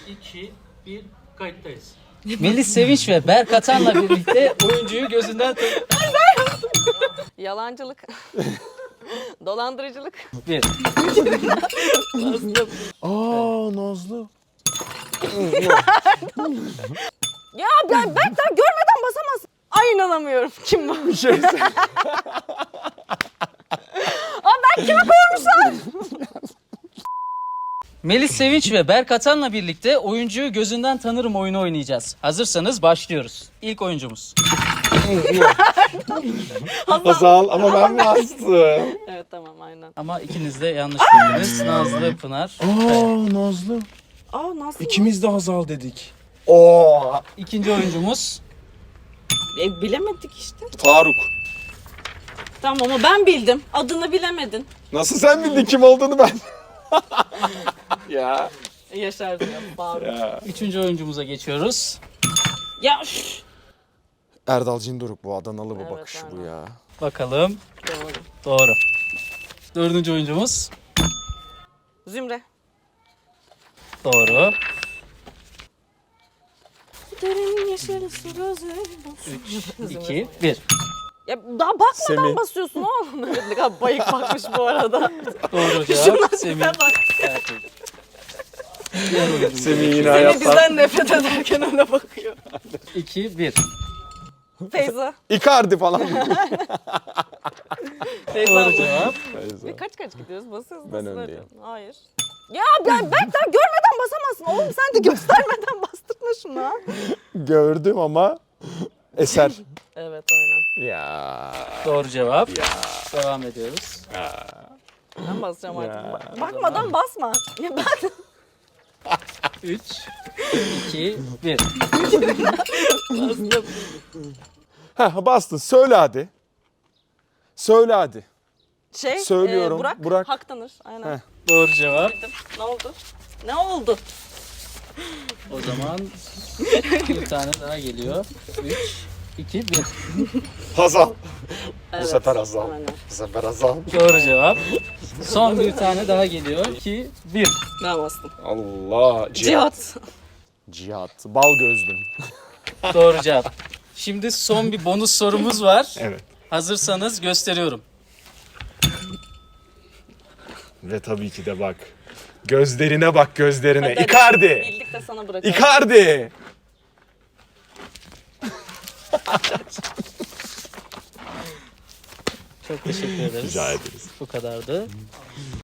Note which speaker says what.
Speaker 1: 2, 1, kayıttayız.
Speaker 2: Melis Sevinç ve Berk Atan'la birlikte oyuncuyu gözünden
Speaker 3: Yalancılık. Dolandırıcılık.
Speaker 2: bir.
Speaker 4: Nazlı.
Speaker 3: Ya ben daha görmeden basamazsın. Ay inanamıyorum. Kim bu?
Speaker 4: Bir şey
Speaker 3: Ben kime koymuşlar?
Speaker 2: Melis Sevinç ve Berk Atan'la birlikte oyuncuyu gözünden tanırım oyunu oynayacağız. Hazırsanız başlıyoruz. İlk oyuncumuz.
Speaker 4: Hazal ama ben mi astım?
Speaker 3: Evet tamam aynen.
Speaker 2: Ama ikiniz de yanlış bildiniz. Nazlı, Pınar. Evet.
Speaker 4: Nazlı.
Speaker 3: Nasıl?
Speaker 4: İkimiz de Hazal dedik. Oo.
Speaker 2: İkinci oyuncumuz.
Speaker 3: Bilemedik işte.
Speaker 4: Faruk.
Speaker 3: Tamam ama ben bildim. Adını bilemedin.
Speaker 4: Nasıl sen bildin kim olduğunu ben? ya.
Speaker 3: Yaşar diyor. Bağırıyor.
Speaker 4: Ya.
Speaker 2: Üçüncü oyuncumuza geçiyoruz.
Speaker 3: Ya üf.
Speaker 4: Erdal Cindoruk bu Adanalı bu
Speaker 3: Evet,
Speaker 4: bakışı bu
Speaker 3: aynen.
Speaker 4: ya.
Speaker 2: Bakalım.
Speaker 3: Doğru.
Speaker 2: Doğru. Dördüncü oyuncumuz.
Speaker 3: Zümre.
Speaker 2: Doğru.
Speaker 3: Derin yeşil su gözü.
Speaker 2: 3, 2, 1.
Speaker 3: Ya daha bakmadan
Speaker 4: Semih.
Speaker 3: basıyorsun oğlum. Evet, ne kadar bayık bakmış bu arada.
Speaker 2: Doğru
Speaker 3: Şunlar
Speaker 2: cevap.
Speaker 3: tipe
Speaker 2: Semih.
Speaker 3: bak.
Speaker 2: Gerçek. Diğer oyuncumuz.
Speaker 4: Semih yine
Speaker 3: Semih
Speaker 4: hayatta.
Speaker 3: bizden nefret ederken öyle bakıyor.
Speaker 2: 2, 1.
Speaker 3: Feyza.
Speaker 4: Icardi falan.
Speaker 3: Feyza
Speaker 2: Doğru
Speaker 3: bu.
Speaker 2: cevap.
Speaker 3: Ve kaç gidiyoruz? Basıyoruz.
Speaker 4: Ben
Speaker 3: nasıl
Speaker 4: öndeyim.
Speaker 3: öyle? Hayır. Ya ben daha görmeden basamazsın. Oğlum sen de göstermeden bastırma şunu.
Speaker 4: Gördüm ama eser.
Speaker 3: Evet aynen.
Speaker 4: ya.
Speaker 2: Doğru cevap. Devam ediyoruz.
Speaker 3: Ben basacağım
Speaker 4: Ya.
Speaker 3: artık. Bakmadan basma. Ya ben
Speaker 2: 3, 2, 1.
Speaker 3: bastım.
Speaker 4: Heh bastın söyle hadi. Söyle hadi. Söylüyorum,
Speaker 3: Burak.
Speaker 4: Burak.
Speaker 3: Hak tanır. Aynen.
Speaker 4: Heh.
Speaker 2: Doğru cevap.
Speaker 3: Ne oldu? Ne oldu?
Speaker 2: O zaman bir tane daha geliyor. 3, 2, 1.
Speaker 4: Hazal.
Speaker 3: Evet,
Speaker 4: sefer Hazal.
Speaker 3: aynen.
Speaker 4: Bu sefer Hazal.
Speaker 2: Doğru cevap. Son bir tane daha geliyor. 2, 1.
Speaker 3: Ben bastım.
Speaker 4: Allah.
Speaker 3: Cihat.
Speaker 4: Cihat. Bal gözlüm.
Speaker 2: Doğru cevap. Şimdi son bir bonus sorumuz var.
Speaker 4: Evet.
Speaker 2: Hazırsanız gösteriyorum.
Speaker 4: Ve tabii ki de bak. Gözlerine bak gözlerine.
Speaker 3: Hadi, hadi.
Speaker 4: Icardi.
Speaker 3: Bildik de sana bırakalım.
Speaker 4: Icardi.
Speaker 2: Çok teşekkür ederiz.
Speaker 4: Rica ederiz.
Speaker 2: Bu kadardı.